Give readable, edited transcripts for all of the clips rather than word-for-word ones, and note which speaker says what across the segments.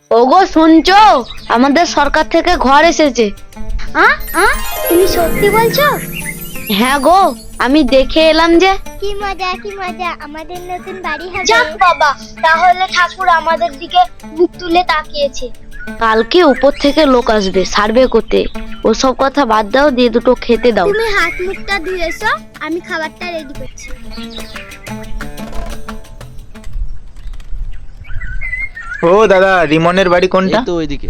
Speaker 1: ওগো শুনছো, আমাদের সরকার থেকে ঘর এসেছে।
Speaker 2: তুমি সত্যি বলছো?
Speaker 1: হ্যাঁ গো, আমি দেখে এলাম যে।
Speaker 2: কি মজা কি মজা, আমাদের নতুন বাড়ি হবে।
Speaker 3: যাক বাবা, তাহলে ঠাকুর আমাদের দিকে মুখ তুলে তাকিয়েছে।
Speaker 1: কালকে উপর থেকে লোক আসবে সার্ভে করতে। ওসব কথা বাদ দাও, দিয়ে দুটো খেতে দাও।
Speaker 2: তুমি হাত মুখটা ধুয়ে এসো, আমি খাবারটা রেডি করছি।
Speaker 4: ও দাদা, রিমনের বাড়ি কোনটা?
Speaker 5: এই তো ওইদিকে।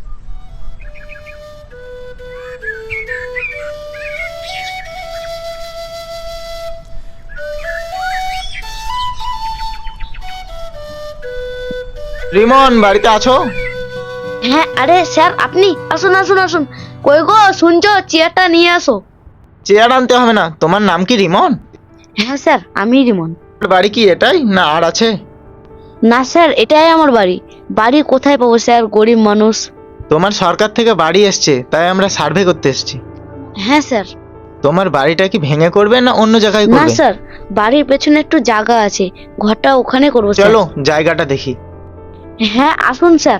Speaker 4: রিমন, বাড়িতে আছো?
Speaker 1: হ্যাঁ, আরে স্যার আপনি আসুন আসুন আসুন। কই গো শুনছো, চেয়ারটা নিয়ে আসো।
Speaker 4: চেয়ার আনতে হবে না। তোমার নাম কি রিমন?
Speaker 1: হ্যাঁ স্যার, আমি রিমন।
Speaker 4: বাড়ি কি এটাই না আর আছে?
Speaker 1: না স্যার, এটাই আমার বাড়ি। বাড়ি কোথায় পাবো স্যার, গরিব মানুষ।
Speaker 4: তোমার সরকার থেকে বাড়ি এসছে, তাই আমরা সার্ভে করতে এসেছি।
Speaker 1: হ্যাঁ স্যার।
Speaker 4: তোমার বাড়িটা কি ভেঙে করবে না অন্য জায়গায়
Speaker 1: না
Speaker 4: করবে?
Speaker 1: স্যার, বাড়ির পেছনে একটু জায়গা আছে, ঘরটা ওখানে করবো স্যার।
Speaker 4: চলো জায়গাটা দেখি।
Speaker 1: হ্যাঁ আসুন স্যার।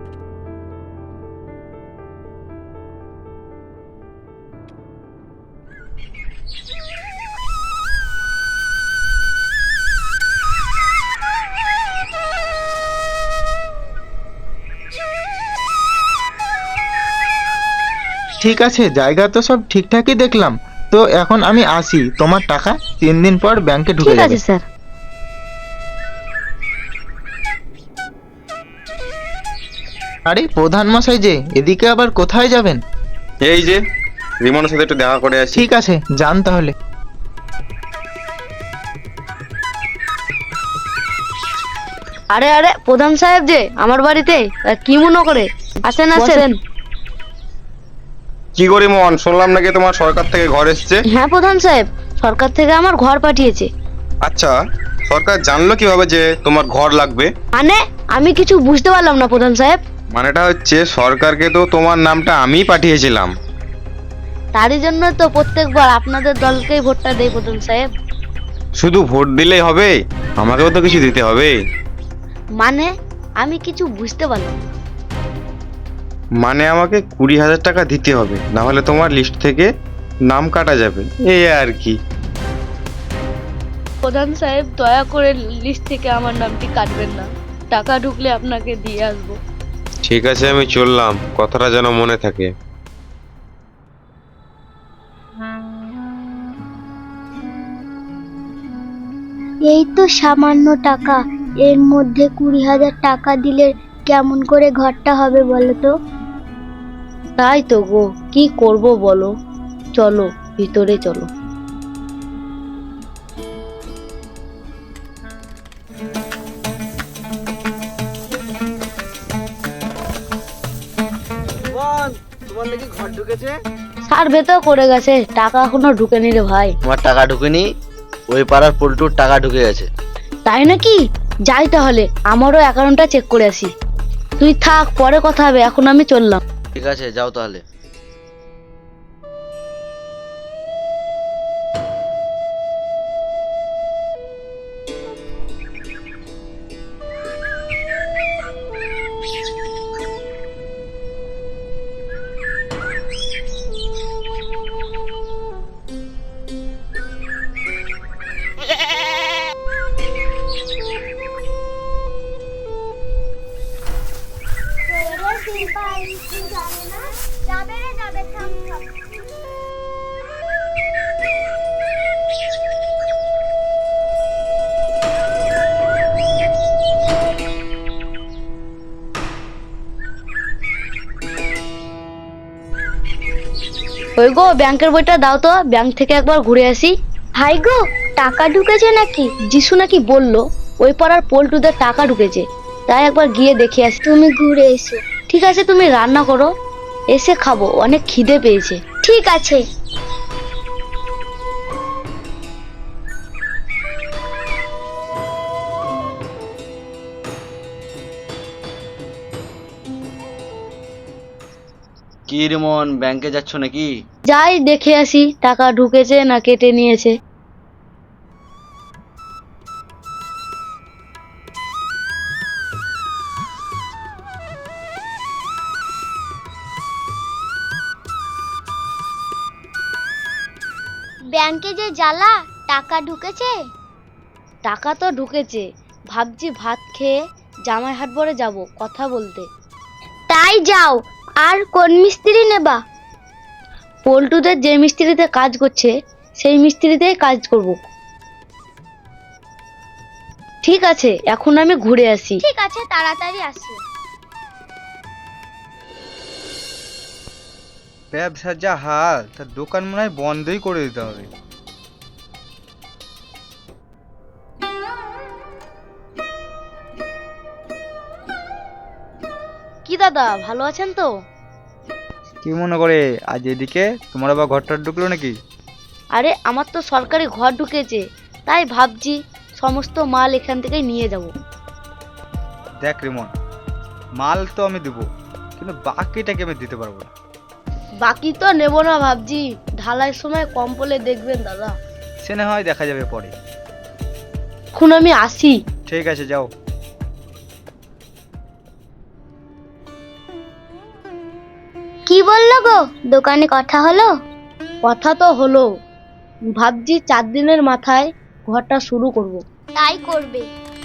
Speaker 4: ঠিক আছে, জায়গা তো সব ঠিকঠাকই দেখলাম। তো এখন আমি আসি, তোমার টাকা 3 দিন পর ব্যাংকে ঢুকে
Speaker 1: ঠিক
Speaker 4: যাবে।
Speaker 1: আছে স্যার।
Speaker 4: আরে প্রধান মশাই যে, এদিকে আবার কোথায় যাবেন?
Speaker 6: এই যে রিমনের সাথে একটু দেখা করে আসি।
Speaker 4: ঠিক আছে, যান তাহলে।
Speaker 1: আরে আরে প্রধান সাহেব যে আমার বাড়িতে, কি মনে করে? আসেন আসেন।
Speaker 6: কি করি মন, শুনলাম নাকি তোমার সরকার থেকে ঘর এসছে।
Speaker 1: হ্যাঁ প্রধান সাহেব, সরকার থেকে আমার ঘর পাঠিয়েছে।
Speaker 6: আচ্ছা, সরকার জানলো কিভাবে যে তোমার ঘর লাগবে?
Speaker 1: মানে আমি কিছু বুঝতে পারলাম না প্রধান সাহেব।
Speaker 6: মানেটা হচ্ছে সরকারকে তো তোমার নামটা আমিই পাঠিয়েছিলাম।
Speaker 1: তারই জন্য তো প্রত্যেকবার আপনাদের দলকেই ভোটটা দেই প্রধান সাহেব।
Speaker 6: শুধু ভোট দিলেই হবে? আমাকেও তো কিছু দিতে হবে।
Speaker 1: মানে আমি কিছু বুঝতে পারলাম না।
Speaker 6: মানে আমাকে 20,000 টাকা দিতে হবে, না হলে তোমার লিস্ট থেকে নাম কাটা যাবে, এই আর কি।
Speaker 1: প্রধান সাহেব দয়া করে লিস্ট থেকে আমার নামটি কাটবেন না, টাকা ঢুকলে আপনাকে দিয়ে আসবো।
Speaker 6: ঠিক আছে, আমি চললাম, কথাটা যেন মনে থাকে।
Speaker 2: এই তো সামান্য টাকা, এর মধ্যে 20,000 টাকা দিলে কেমন করে ঘরটা হবে বলো তো?
Speaker 1: তাই তো গো, কি করব বলো। চলো ভিতরে চলো।
Speaker 5: তোমার নাকি ঘর ঢুকেছে?
Speaker 1: সার্ভে তো করে গেছে, টাকা এখনো ঢুকেনি রে ভাই।
Speaker 5: তোমার টাকা ঢুকেনি, ওই পাড়ার পল্টুর টাকা ঢুকে গেছে।
Speaker 1: তাই নাকি? যাই তাহলে, আমারও অ্যাকাউন্টটা চেক করে আসি। তুই থাক, পরে কথা হবে, এখন আমি চললাম।
Speaker 5: ঠিক আছে, যাও তাহলে।
Speaker 1: ওই গো ব্যাংকের বইটা দাও তো, ব্যাংক থেকে একবার ঘুরে আসি।
Speaker 2: ভাই গো, টাকা ঢুকেছে নাকি?
Speaker 1: যিশু নাকি বললো ওই পাড়ার পল্টুদের টাকা ঢুকেছে, তাই একবার গিয়ে দেখে আসি।
Speaker 2: তুমি ঘুরে এসো।
Speaker 1: ঠিক আছে, তুমি রান্না করো, এসে খাবো, অনেক খিদে পেয়েছে।
Speaker 2: ঠিক আছে।
Speaker 5: কি রিমন, ব্যাংকে যাচ্ছ নাকি?
Speaker 1: যাই দেখে আসি টাকা ঢুকেছে না কেটে নিয়েছে।
Speaker 2: ব্যাংকে যে জ্বালা, টাকা ঢুকেছে?
Speaker 1: টাকা তো ঢুকেছে, ভাবছি ভাত খেয়ে জামাই হাট বরে যাব কথা বলতে।
Speaker 2: তাই যাও। আর কোন মিস্ত্রি নেবা?
Speaker 1: পল্টুদের যে মিস্ত্রিতে কাজ করছে সেই মিস্ত্রিতেই কাজ করব। ঠিক আছে, এখন আমি ঘুরে আসি।
Speaker 2: ঠিক আছে, তাড়াতাড়ি আসি।
Speaker 7: ব্যবসার যা হাল, তার দোকান মনে হয় বন্ধই করে দিতে হবে।
Speaker 1: কি দাদা, ভালো আছেন তো?
Speaker 7: কি মনে করে আজ এদিকে তোমার আবার ঘরটা ঢুকলো নাকি?
Speaker 1: আরে আমার তো সরকারি ঘর ঢুকেছে, তাই ভাবছি সমস্ত মাল এখান থেকেই নিয়ে যাব।
Speaker 7: দেখ রিমন, মাল তো আমি দেবো, কিন্তু বাকিটাকে আমি দিতে পারবো না।
Speaker 1: বাকি তো নেব না, ভাবছি ঢালাইয়ের সময় কম পড়লে দেখবেন দাদা।
Speaker 7: সে না হয় দেখা যাবে পরে।
Speaker 1: এখন আমি আসি।
Speaker 7: ঠিক আছে, যাও।
Speaker 2: কি বললো গো? দোকানে কথা হলো?
Speaker 1: কথা তো হলো, ভাবছি 4 দিনের মাথায় ঘরটা শুরু করব।
Speaker 2: তাই করবে।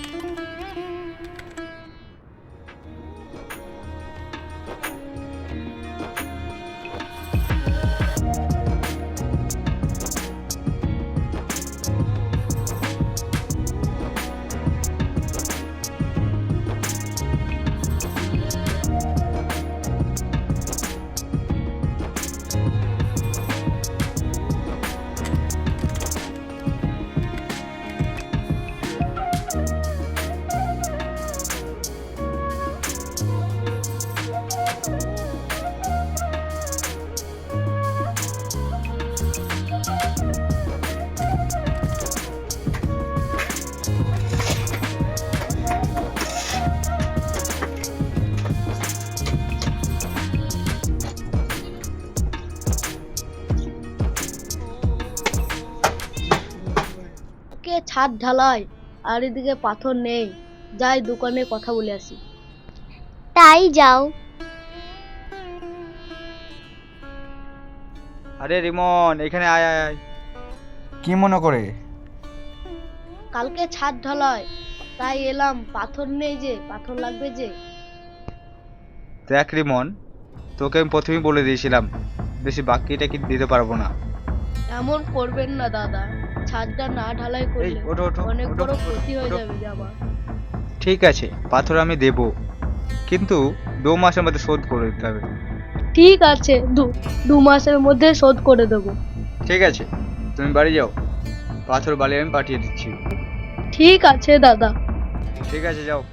Speaker 1: কে ছাদ ঢালাই আর এদিকে পাথর নেই, যাই দোকানে কথা বলে আসি।
Speaker 2: তাই যাও।
Speaker 7: আরে রিমন, এখানে আয় আয় আয়। কি মনে করে?
Speaker 1: কালকে ছাদ ঢালাই, তাই এলাম, পাথর নেই যে, পাথর লাগবে যে।
Speaker 7: দেখ রিমন, তোকে আমি প্রথমেই বলে দিয়েছিলাম বেশি বাকিটা কি দিতে পারবো না।
Speaker 1: এমন করবেন না দাদা, ছাদটা না ঢালাই
Speaker 7: এই
Speaker 1: করলে
Speaker 7: ওঠো ওঠো
Speaker 1: অনেক
Speaker 7: ওঠো,
Speaker 1: বড় ক্ষতি হয়ে
Speaker 7: ওঠো।
Speaker 1: যাবে যে আমার।
Speaker 7: ঠিক আছে, পাথর আমি দেব, কিন্তু 2 মাসের মধ্যে শোধ করে দিতে হবে।
Speaker 1: ঠিক আছে, দু মাসের মধ্যে শোধ করে দেবো।
Speaker 7: ঠিক আছে, তুমি বাড়ি যাও, পাথর বালি আমি পাঠিয়ে দিচ্ছি।
Speaker 1: ঠিক আছে দাদা।
Speaker 7: ঠিক আছে, যাও।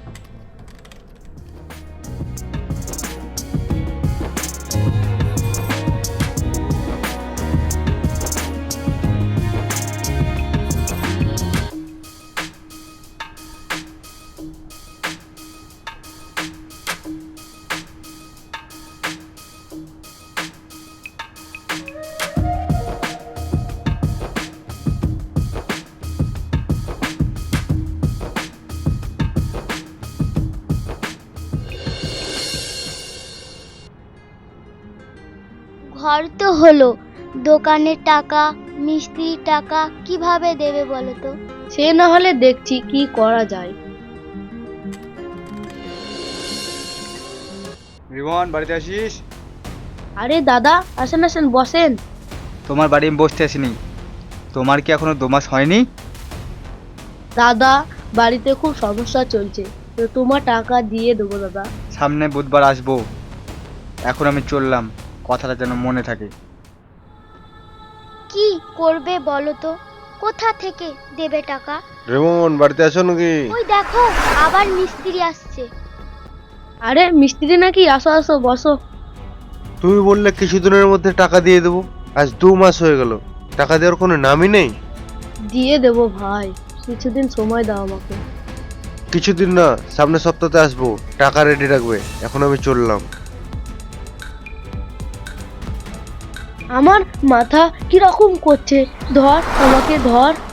Speaker 2: ঘর তো হলো, দোকানের টাকা, মিস্ত্রির টাকা কিভাবে দেবে বলো তো?
Speaker 1: সে না হলে দেখছি কি করা যায়।
Speaker 7: রিমন, বাড়িতে আসিস?
Speaker 1: আরে দাদা, আসেন আসেন, বসেন।
Speaker 7: তোমার বাড়ি আমি বসতে আসিনি, তোমার কি এখনো 2 মাস হয়নি?
Speaker 1: দাদা, বাড়িতে খুব সমস্যা চলছে, তো তোমার টাকা দিয়ে দেবো দাদা।
Speaker 7: সামনে বুধবার আসবো, এখন আমি চললাম, কথাটা যেন মনে থাকে।
Speaker 2: কি করবে বলো তো? কোথা থেকে দেবে টাকা?
Speaker 6: রেমন, বাড়িতে আছো নাকি?
Speaker 2: ওই দেখো, আবার মিস্ত্রি আসছে।
Speaker 1: আরে মিস্ত্রি নাকি? আসো আসো, বসো।
Speaker 6: তুমি বললে কিছুদিনের মধ্যে টাকা দিয়ে দেবো, আজ 2 মাস হয়ে গেল, টাকা দেওয়ার কোনো নামই নেই।
Speaker 1: দিয়ে দেবো ভাই, কিছুদিন সময় দাও আমাকে।
Speaker 6: কিছুদিন না, সামনের সপ্তাহে আসবো, টাকা রেডি রাখবে। এখন আমি চললাম।
Speaker 1: আমার মাথা কিরকম করছে, ধর আমাকে ধর।